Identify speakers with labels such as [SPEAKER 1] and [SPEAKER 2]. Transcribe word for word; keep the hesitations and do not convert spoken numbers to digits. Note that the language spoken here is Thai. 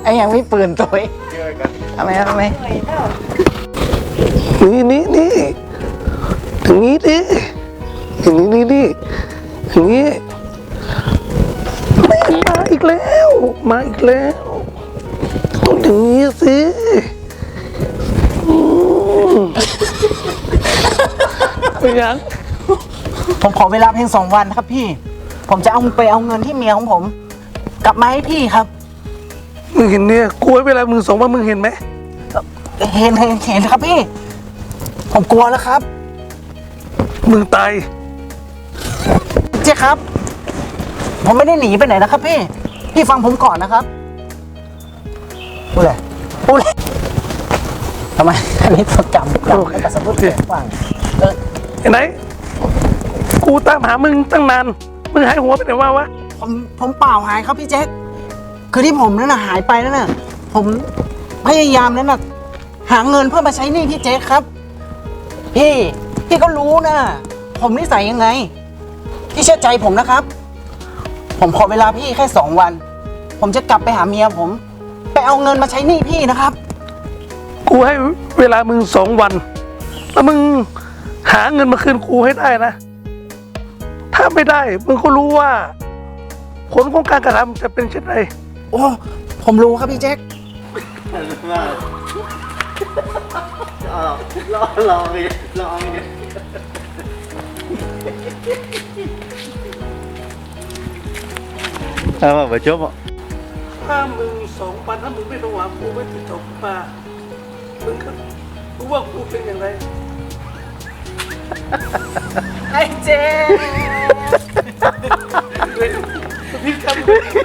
[SPEAKER 1] ไอ้ยังไม่ปืนตัวเองทำไมทำไมนี่นี่นี่อย่างนี้ดิอย่างนี้นี่นี่อย่างนี้ไม่มาอีกแล้วมาอีกแล้วต้องอย่างนี้สิเป็นยัง
[SPEAKER 2] ผมขอเวลาเพียงสองวันครับพี่ผมจะเอาไปเอาเงินที่เมียของผมกลับมาให้พี่ครับ
[SPEAKER 1] มึงเห็นเนี่ยกลัวเวลามึงสองวันมึงเห็นไหม
[SPEAKER 2] เห็นเห็นเห็นครับพี่ผมกลัวแล้วครับ
[SPEAKER 1] มึงตาย
[SPEAKER 2] เจ๊ครับผมไม่ได้หนีไปไหนนะครับพี่พี่ฟังผมก่อนนะครับพูดเลยพูดเลยทำไมอันนี้จดจำจำไม่กระสับกระส่ายฟังเออ
[SPEAKER 1] ไอ้ไหนกูตามหามึงตั้งนานมึงหายหัวไปไหนวะวะ
[SPEAKER 2] ผมผมเปล่าหายครับพี่แจ๊คคือที่ผมนั่นน่ะหายไปนั่นน่ะผมพยายามนั่นน่ะหาเงินเพื่อมาใช้หนี้พี่แจ๊คครับพี่พี่ก็รู้นะผมนิสัยยังไงพี่เชื่อใจผมนะครับผมขอเวลาพี่แค่สองวันผมจะกลับไปหาเมียผมไปเอาเงินมาใช้หนี้พี่นะครับ
[SPEAKER 1] กูให้เวลามึงสองวันแล้วมึงหาเงินมาคืนกูให้ได้นะถ้าไม่ได้มึงก็รู้ว่าผลของการกระทำจะเป็นเช่นไร
[SPEAKER 2] โอ้ผมรู้ครับพี่แจ็ค
[SPEAKER 3] รอรอไปรอไปเอามาไปจบอ่ะ
[SPEAKER 1] ถ้ามึงสองวันถ้ามึงไม่ระวังกูไม่ติดต่อกูมามึงก็รู้ว่ากูเป็นอย่างไร
[SPEAKER 2] ไอ้เจ๊
[SPEAKER 1] พี่ครับ